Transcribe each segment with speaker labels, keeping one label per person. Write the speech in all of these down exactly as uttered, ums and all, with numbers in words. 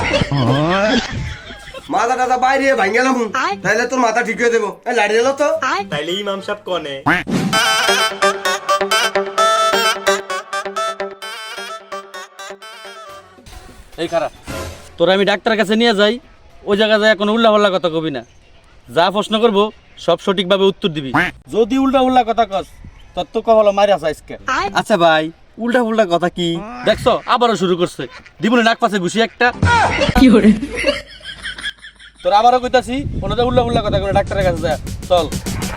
Speaker 1: মাথা টাথা বাইরে ভাঙ গেলাম, তাইলে তোর মাথা ঠিক হয়ে দেবো। লাড়ি দিল তো
Speaker 2: তাইলে ইমাম সাহেব কনে?
Speaker 3: এই খারাপ, তোরা আমি ডাক্তারের কাছে নিয়ে যাই, ওই জায়গায় যায় কোনো উল্লা পাল্লা কথা কবি না। যা প্রশ্ন করবো সব সঠিকভাবে উত্তর দিবি। যদি উল্টা উল্টা কথা কস তোর তো কহলো মারি আসা আজকে। আচ্ছা ভাই, উল্টা উল্টা কথা কি দেখছো? আবারও শুরু করছে, দিবনে নাক পাশে ঘুষি একটা। কি করে তোর আবারও কইতাছি, ওনাদের উল্লা উল্লা কথা করে ডাক্তারের কাছে যা, চল।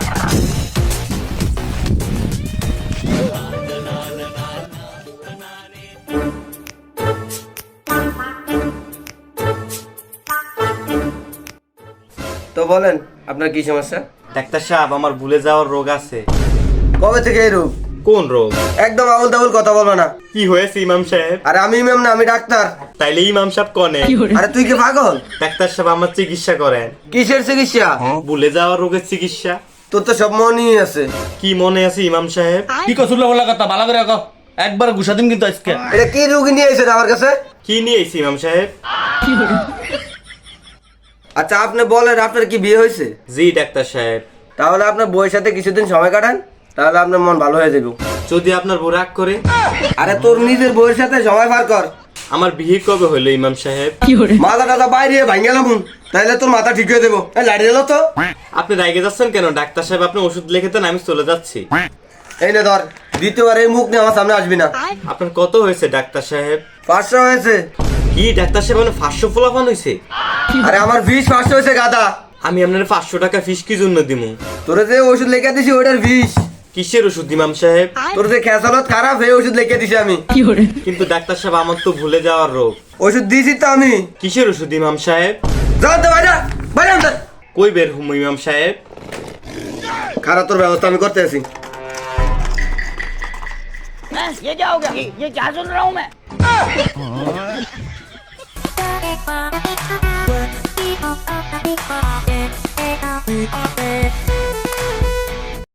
Speaker 1: তো বলেন আপনার কি সমস্যা?
Speaker 2: ডাক্তার সাহেব, আমার ভুলে যাওয়ার রোগ আছে।
Speaker 1: কবে থেকে এই রোগ?
Speaker 2: কোন রোগ?
Speaker 1: একদম আউল তাউল কথা বলবে না।
Speaker 2: কি হয়েছে ইমাম সাহেব?
Speaker 1: আরে আমি ইমাম না, আমি ডাক্তার।
Speaker 2: তাইলে ইমাম সাহেব কনে?
Speaker 1: আরে তুই কি পাগল?
Speaker 2: ডাক্তার সাহেব, আমার চিকিৎসা করেন।
Speaker 1: কিসের চিকিৎসা?
Speaker 2: ভুলে যাওয়ার রোগের চিকিৎসা।
Speaker 1: তোর তো সব মনই আছে।
Speaker 2: কি মনে আছে ইমাম সাহেব?
Speaker 3: কি কস উল্লা উল্লা কথা? ভালো করে কও, একবার ঘুষা দিন কিন্তু আজকে।
Speaker 1: এটা কি রোগী নিয়ে এসেছে আমার কাছে?
Speaker 2: কি নিয়ে এসেছি ইমাম সাহেব?
Speaker 1: আচ্ছা আপনি বলেন, আপনার কি বিয়ে হয়েছে?
Speaker 2: জি ডাক্তার সাহেব।
Speaker 1: তাহলে আপনার বউয়ের সাথে কিছুদিন সময় কাটান, তাহলে আপনার মন ভালো হয়ে যাবে।
Speaker 2: যদি আপনার বউ রাগ করে?
Speaker 1: আরে তোর নিজের বউয়ের সাথে সময় পার কর।
Speaker 2: আমার বিয়ে কবে হলো ইমাম সাহেব?
Speaker 1: মাথা টাথা বাইরে ভাঙ গেলাম, তাইলে তোর মাথা ঠিক হয়ে দেবো। লাড়ি দিল তো
Speaker 2: আপনি রাগে যাচ্ছেন কেন ডাক্তার সাহেব? আপনি ওষুধ লিখে দেন, আমি চলে যাচ্ছি।
Speaker 1: এই নে ধর, দ্বিতীয়বার এই মুখ নিয়ে আমার সামনে আসবি না।
Speaker 2: আপনার কত হয়েছে ডাক্তার সাহেব?
Speaker 1: পাঁচশো হয়েছে।
Speaker 2: কি ডাক্তার সাহেব, মানে পাঁচশো ফলাফান হয়েছে?
Speaker 1: আরে আমার বিষ পাঁচশো হয়েছে গাদা।
Speaker 2: আমি আপনার পাঁচশো টাকা ফিস কি জন্য দিমু?
Speaker 1: তোরে যে ওষুধ লিখে দিছি ওটার বিষ।
Speaker 2: কিসের ওষুধ ইমাম সাহেব?
Speaker 1: তোর যে খেসালত খারাপ, এই ওষুধ লিখে দিছি আমি।
Speaker 2: কিন্তু ডাক্তার সাহেব, আমার তো ভুলে যাওয়ার রোগ।
Speaker 1: ওষুধ দিয়েছি তো আমি।
Speaker 2: কিসের ওষুধ ইমাম সাহেব?
Speaker 1: যাও তো বাইরে, বাইরে আনতে।
Speaker 2: কই বের হুম ইমাম সাহেব?
Speaker 1: খারাপ, তোর ব্যবস্থা আমি করতে আছি।
Speaker 4: ये क्या हो गया? ये क्या सुन रहा हूँ मैं?